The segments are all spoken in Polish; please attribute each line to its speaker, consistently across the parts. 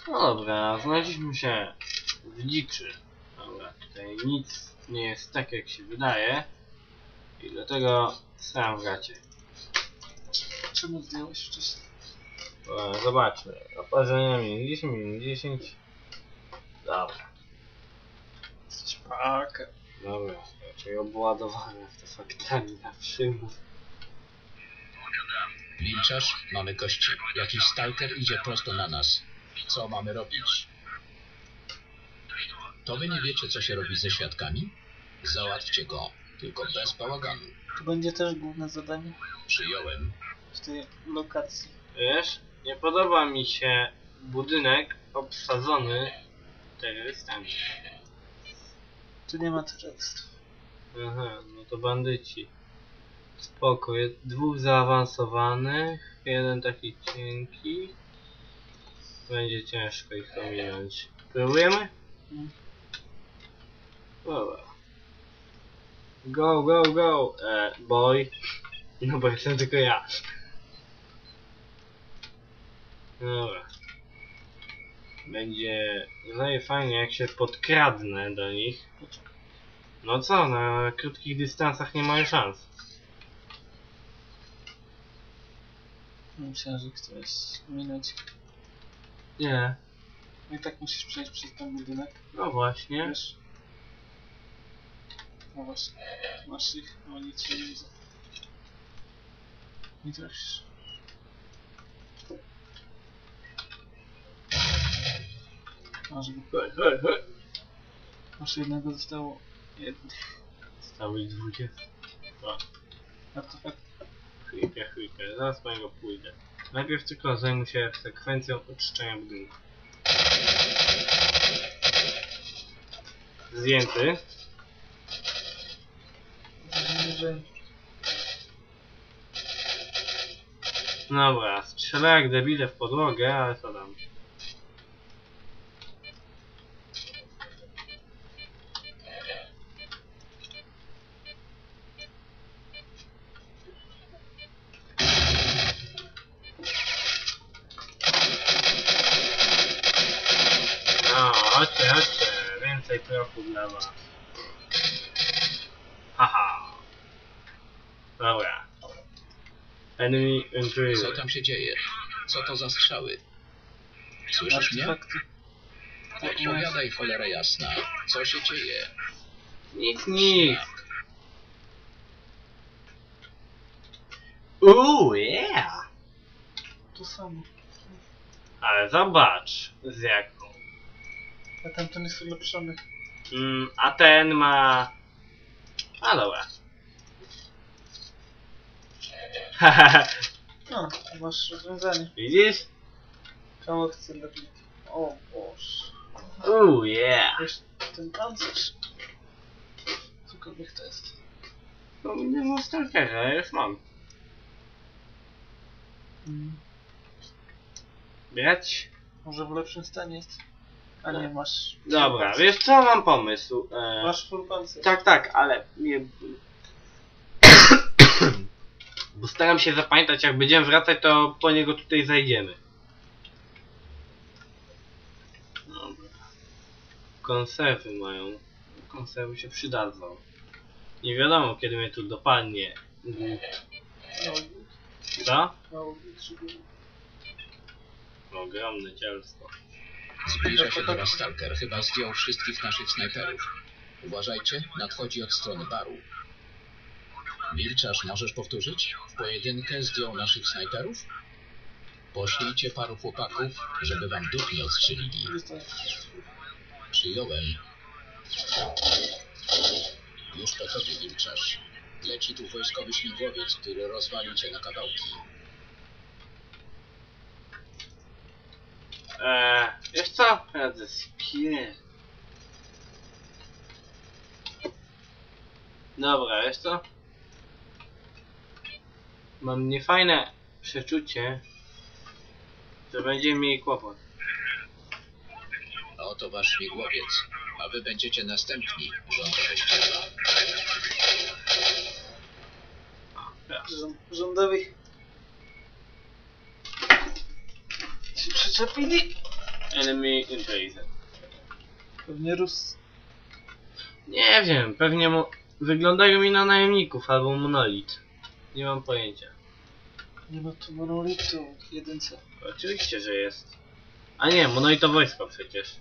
Speaker 1: No dobra, znaleźliśmy się w dziczy. Dobra, tutaj nic nie jest tak jak się wydaje. I dlatego sam w gacie.
Speaker 2: Czemu zdjąłeś wcześniej?
Speaker 1: Zobaczmy. Oparzenia minus 10, minus 10. Dobra.
Speaker 2: Jesteś paka.
Speaker 1: Dobra, raczej obładowane w te faktami na przymus.
Speaker 3: Milczasz? Mamy gości. Jakiś stalker idzie prosto na nas. Co mamy robić? To wy nie wiecie, co się robi ze świadkami? Załatwcie go, tylko bez bałaganu.
Speaker 2: To będzie też główne zadanie
Speaker 3: Przyjąłem.
Speaker 2: w tej lokacji.
Speaker 1: Wiesz, nie podoba mi się budynek obsadzony terrorystami.
Speaker 2: Tu nie ma terrorystów.
Speaker 1: Aha, no to bandyci. Spoko, jest dwóch zaawansowanych, jeden taki cienki. Będzie ciężko ich ominąć. Próbujemy? Dobra. Go, go, go! Boy. No bo jestem tylko ja. Dobra. Będzie fajnie jak się podkradnę do nich. No co, na krótkich dystansach nie mają szans.
Speaker 2: Myślałem, że chcesz minąć.
Speaker 1: Nie.
Speaker 2: No i tak musisz przejść przez ten budynek.
Speaker 1: No właśnie.
Speaker 2: Wiesz? No właśnie. Masz ich, no nic się nie widzę. Nie trafisz. Masz go.
Speaker 1: Hej, hej.
Speaker 2: Masz jednego, zostało jedno.
Speaker 1: Stało ich 20.
Speaker 2: Artefakt.
Speaker 1: Chwilkę, zaraz po niego pójdę. Najpierw tylko zajmę się sekwencją oczyszczenia budynku. Zdjęty. Dobra, strzelę jak debile w podłogę, ale co tam. No, chodźcie, więcej prochu dla was. Haha. Dobra. Enemy
Speaker 3: Co
Speaker 1: intruder.
Speaker 3: tam się dzieje? Co to za strzały? Słyszysz mnie?
Speaker 2: Artefakty.
Speaker 3: Odpowiadaj, cholera jasna. Co się dzieje?
Speaker 1: Nic. Yeah!
Speaker 2: To samo.
Speaker 1: Ale zobacz z jaką.
Speaker 2: A tamten jest ulepszony.
Speaker 1: A ten ma... A dobra.
Speaker 2: No, masz rozwiązanie.
Speaker 1: Widzisz?
Speaker 2: Koło chce lepiej. O Boże.
Speaker 1: Yeah!
Speaker 2: Wiesz, ten pancerz. Cokolwiek to jest.
Speaker 1: No nie mam stalkera, już mam. Brać?
Speaker 2: Może w lepszym stanie jest. A nie, masz...
Speaker 1: Dobra, wiesz co, mam pomysł.
Speaker 2: Masz full pancerz.
Speaker 1: Tak, ale nie... Bo staram się zapamiętać, jak będziemy wracać, to po niego tutaj zajdziemy. Dobra. Konserwy mają. Konserwy się przydadzą. Nie wiadomo, kiedy mnie tu dopadnie. Co? Ogromne cielsko.
Speaker 3: Zbliża się do nas stalker. Chyba zdjął wszystkich naszych snajperów. Uważajcie, nadchodzi od strony baru. Milczasz, możesz powtórzyć? W pojedynkę zdjął naszych snajperów? Poślijcie paru chłopaków, żeby wam duch nie odstrzelili. Przyjąłem. Już po tobie, Milczasz. Leci tu wojskowy śmigłowiec, który rozwalił cię na kawałki.
Speaker 1: Wiesz co? Radzę spier... Dobra, wiesz co? Mam niefajne przeczucie, że będziemy mieli kłopot.
Speaker 3: Oto wasz śmigłowiec, a wy będziecie następni, rządowe ścieża.
Speaker 2: Rządowi się przyczepili.
Speaker 1: Enemy intelligence.
Speaker 2: Pewnie Rus.
Speaker 1: Nie wiem, pewnie wyglądają mi na najemników albo monolit. Nie mam pojęcia.
Speaker 2: Nie ma tu monolitu w jedynce.
Speaker 1: Oczywiście, że jest. A nie, monolit to wojsko przecież.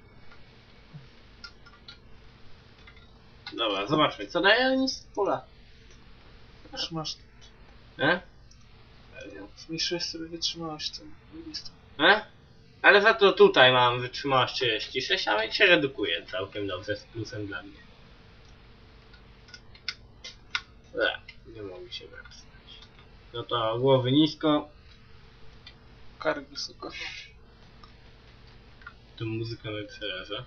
Speaker 1: Dobra, zobaczmy, co daje nic z pola.
Speaker 2: Trzymasz. Zmniejszyłeś sobie wytrzymałość tym listem.
Speaker 1: Ale za to tutaj mam wytrzymałość 36, a więc się redukuje całkiem dobrze z plusem dla mnie. Nie mogli się wepchnąć. No to głowy nisko.
Speaker 2: Kark wysoko.
Speaker 1: Tu muzyka mnie przeraża.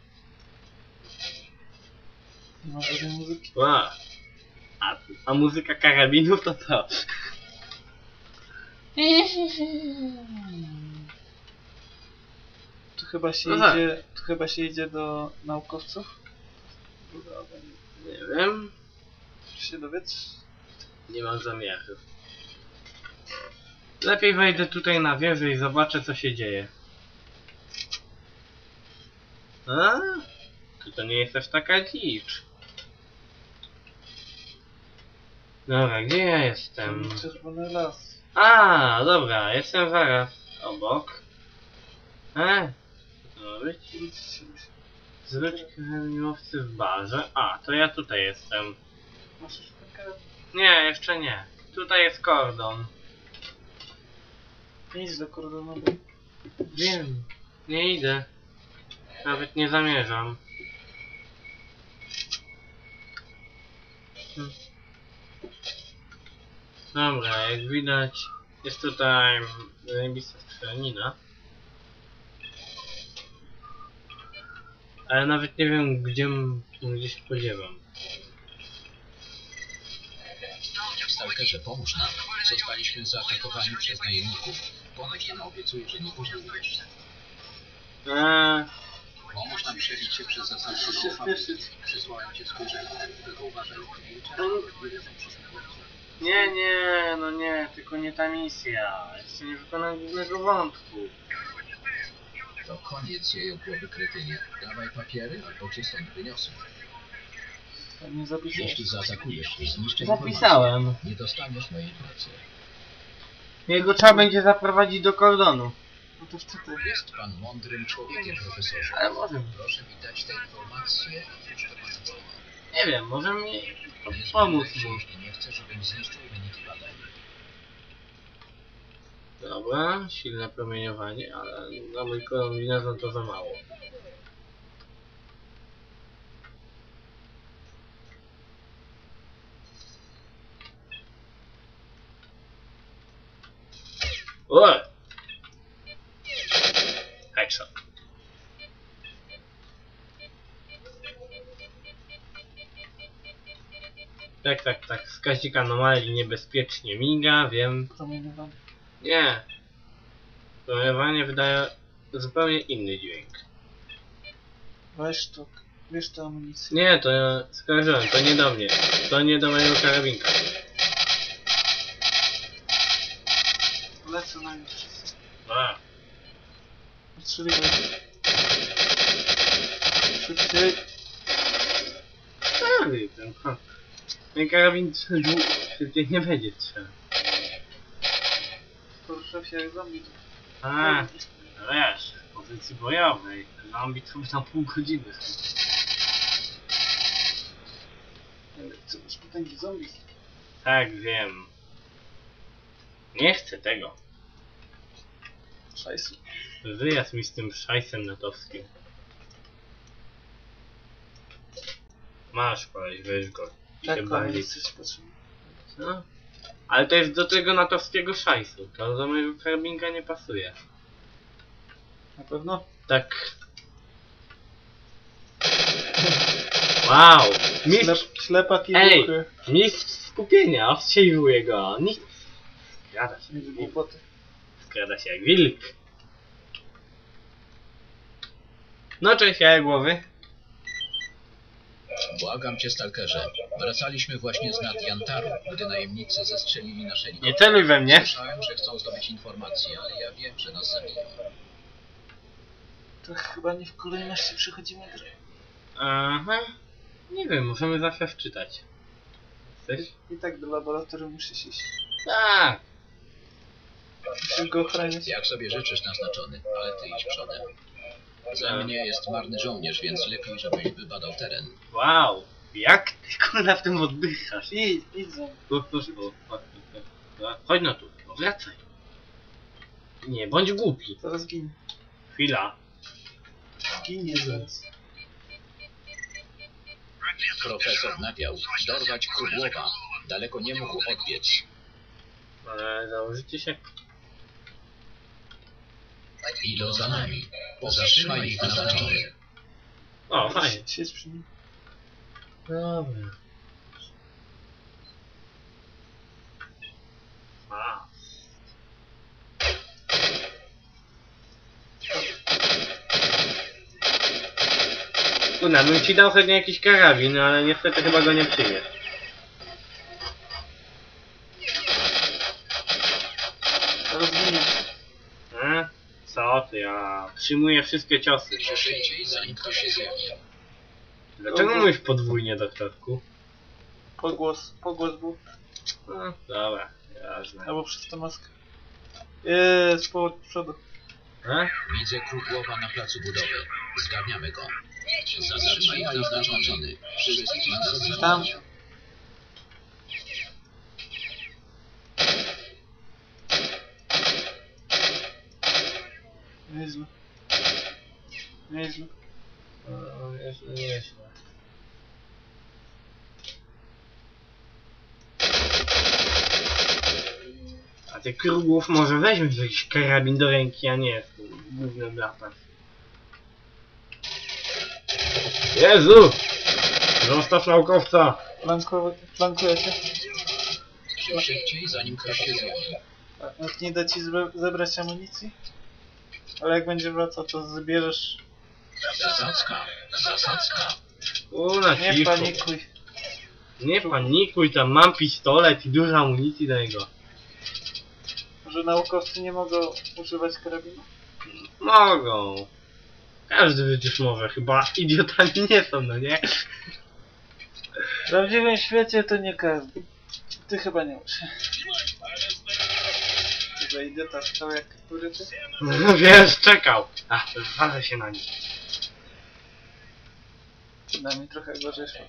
Speaker 2: Nie ma żadnej muzyki.
Speaker 1: A muzyka karabinów to co?
Speaker 2: Tu chyba się
Speaker 1: Aha.
Speaker 2: idzie. Tu chyba się idzie do naukowców.
Speaker 1: Nie wiem.
Speaker 2: Chcesz się dowiedz?
Speaker 1: Nie mam zamiaru. Lepiej wejdę tutaj na wieżę i zobaczę, co się dzieje. To nie jest aż taka dzicz. Dobra, gdzie ja jestem?
Speaker 2: Czerwony las.
Speaker 1: Dobra, jestem zaraz obok. Co to ma być? Zwróć miłowcy w barze. To ja tutaj jestem.
Speaker 2: Masz już takę.
Speaker 1: Nie, jeszcze nie. Tutaj jest kordon.
Speaker 2: Nie idź do kordonu.
Speaker 1: Wiem, nie idę. Nawet nie zamierzam. Dobra, jak widać jest tutaj zajebista strzelanina. Ale nawet nie wiem gdzie się spodziewam.
Speaker 3: Stalkerze, pomóż nam. Zostaliśmy zaatakowani przez najemników. Pomóż nam, obiecuję, że nie pożałujesz. Pomóż nam przebić się przez zasady.
Speaker 2: Musisz się spieszyć.
Speaker 3: Przysłałem cię spojrzenie, tylko uważaj,
Speaker 1: Nie, tylko nie ta misja. Jeszcze nie wykonałem głównego wątku.
Speaker 3: To koniec jej głowy, kretynie. Dawaj papiery, albo cię stąd wyniosę.
Speaker 2: Nie zapisałeś.
Speaker 3: Jeśli zaatakujesz i zniszczysz
Speaker 1: Zapisałem.
Speaker 3: informację, nie dostaniesz mojej pracy.
Speaker 1: Jego trzeba będzie zaprowadzić do kordonu.
Speaker 2: No to wtedy.
Speaker 3: Jest pan mądrym człowiekiem, profesorze.
Speaker 1: Ale może.
Speaker 3: Proszę mi dać te informacje, a już to pana cena.
Speaker 1: Nie wiem, może mi
Speaker 3: Nie
Speaker 1: pomóc
Speaker 3: zbliżaj się,
Speaker 1: mu.
Speaker 3: jeśli nie chcę, żebym zniszczył wynik badań.
Speaker 1: Dobra, silne promieniowanie, ale na mój kombinezon to za mało. Headshot. Tak. Wskaźnik anomalii niebezpiecznie miga, wiem.
Speaker 2: Promieniowanie.
Speaker 1: Nie. Promieniowanie wydaje zupełnie inny dźwięk.
Speaker 2: Weź to. Wiesz tę amunicję.
Speaker 1: Nie, to skojarzyłem, to nie do mnie. To nie do mojego karabinka.
Speaker 2: Lecę na nich wszyscy. Odstrzeliwaj. Szybciej.
Speaker 1: Ten karabin szybciej nie będzie trzeba.
Speaker 2: Poruszał się jak zombie.
Speaker 1: No wiesz, w pozycji bojowej. Zombie to by tam pół godziny.
Speaker 2: Co masz potęgi zombie?
Speaker 1: Tak, wiem. Nie chcę tego.
Speaker 2: Szajsu.
Speaker 1: Wyjazd mi z tym szajsem natowskim. Masz koleś, weź go. I
Speaker 2: Tak,
Speaker 1: się bardziej.
Speaker 2: amunicję ci potrzebna.
Speaker 1: No. Ale to jest do tego natowskiego szajsu. To do mojego karabinka nie pasuje.
Speaker 2: Na pewno?
Speaker 1: Tak. Wow! Mistrz,
Speaker 2: Ślepak i
Speaker 1: Ej!
Speaker 2: głuchy.
Speaker 1: mistrz skupienia, ostrzeliwuje go. Nic. Skrada się.
Speaker 2: Nie głupoty.
Speaker 1: Skrada się jak wilk. No cześć, jaja głowy.
Speaker 3: Błagam cię, stalkerze. Wracaliśmy właśnie z nad Jantaru, gdy najemnicy zestrzelili nasze
Speaker 1: Nie celuj we mnie.
Speaker 3: Słyszałem, że chcą zdobyć informacje, ale ja wiem, że nas zabiją.
Speaker 2: To chyba nie w kolejności przechodzimy grę.
Speaker 1: Aha. Nie wiem, możemy zawsze wczytać. Chcesz?
Speaker 2: I tak do laboratorium musisz iść.
Speaker 1: Tak.
Speaker 2: Musisz go ochraniać.
Speaker 3: Jak sobie życzysz, naznaczony, ale ty idź przodem. Za mnie jest marny żołnierz, więc lepiej, żebyś wybadał teren.
Speaker 1: Wow. Jak ty kurwa w tym oddychasz?
Speaker 2: Idź za mną.
Speaker 1: Chodź no tu. No wracaj. Nie, bądź głupi.
Speaker 2: Zaraz ginie.
Speaker 1: Chwila.
Speaker 2: Ginie zaraz.
Speaker 3: Profesor nawiał. Dorwać Krugłowa. Daleko nie mógł odbiec.
Speaker 1: Ale założycie się.
Speaker 3: Idą za nami. Zatrzymaj ich, naznaczony.
Speaker 1: O, fajnie.
Speaker 2: Siedź przy nim.
Speaker 1: Dobra. A. Kuna, bym ci dał chętnie jakiś karabin, ale niestety chyba go nie przyjmie.
Speaker 2: Zaraz ginie.
Speaker 1: Co ty, ja przyjmuję wszystkie ciosy.
Speaker 3: Szybciej, zanim ktoś się zjawi.
Speaker 1: Dlaczego mówisz podwójnie, doktorku?
Speaker 2: Pogłos był.
Speaker 1: No, dobra, jasne.
Speaker 2: Albo przez tę maskę. Jest, z przodu.
Speaker 3: Widzę Krugłowa na placu budowy. Zgarniamy go. Zatrzymaj ich, naznaczony. Wszystkich nas
Speaker 2: Tam.
Speaker 3: zatrzymają.
Speaker 2: Nieźle. Nieźle.
Speaker 1: Nieźle. A ty Krugłów może weźmiesz jakiś karabin do ręki, a nie głównym latać. Jezu! Zostaw naukowca!
Speaker 2: Flankuje cię.
Speaker 3: Szybciej, zanim ktoś się zjawi.
Speaker 2: Jak nie da ci zebrać amunicji? Ale jak będzie wracał, to zbierzesz.
Speaker 3: Zasadzka. Zasadzka.
Speaker 1: Na
Speaker 2: Nie
Speaker 1: cicho.
Speaker 2: panikuj.
Speaker 1: Nie panikuj, tam mam pistolet i dużo amunicji do niego.
Speaker 2: Że naukowcy nie mogą używać karabinu?
Speaker 1: Mogą. Każdy przecież może, chyba idiotami nie są, no nie?
Speaker 2: W prawdziwym świecie to nie każdy. Ty chyba nie masz. Chyba idiota stał jak kuryty.
Speaker 1: No wiesz, czekał. Ach, zwalę się na nim.
Speaker 2: Przynajmniej trochę gorzej szło.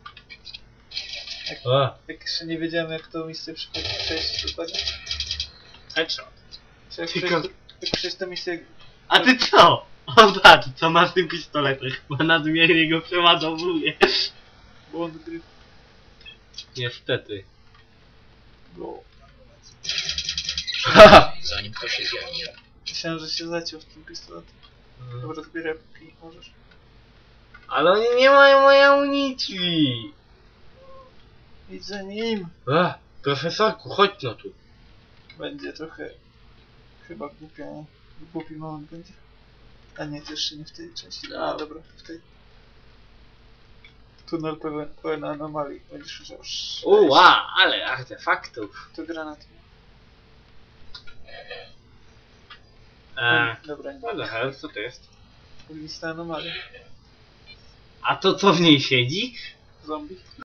Speaker 1: O,
Speaker 2: Jak jeszcze nie wiedziałem jak to misję przejść dokładnie.
Speaker 1: headshot.
Speaker 2: Czy jak
Speaker 1: Tylko-
Speaker 2: przejść tę misję.
Speaker 1: A ty co? O patrz, co masz w tym pistoletem? Chyba nadmiernie go przeładowuje.
Speaker 2: Błąd gry.
Speaker 1: Niestety.
Speaker 2: Bo
Speaker 3: Zanim ktoś się zjawi.
Speaker 2: myślałem, że się zaciął w tym pistoletem. Dobra, zbieraj póki możesz.
Speaker 1: Ale oni nie mają mojej amunicji.
Speaker 2: Idź za nim.
Speaker 1: Profesorku, chodź no tu.
Speaker 2: Będzie trochę... Chyba głupi moment będzie. A nie, to jeszcze nie w tej części. A dobra, w tej. Tunel pełen anomalii. Będziesz musiał...
Speaker 1: Uła, ale artefaktów.
Speaker 2: To granat. Dobra, nie.
Speaker 1: What the hell, co to jest?
Speaker 2: Lista anomalii.
Speaker 1: A to co w niej siedzi?
Speaker 2: Zombie.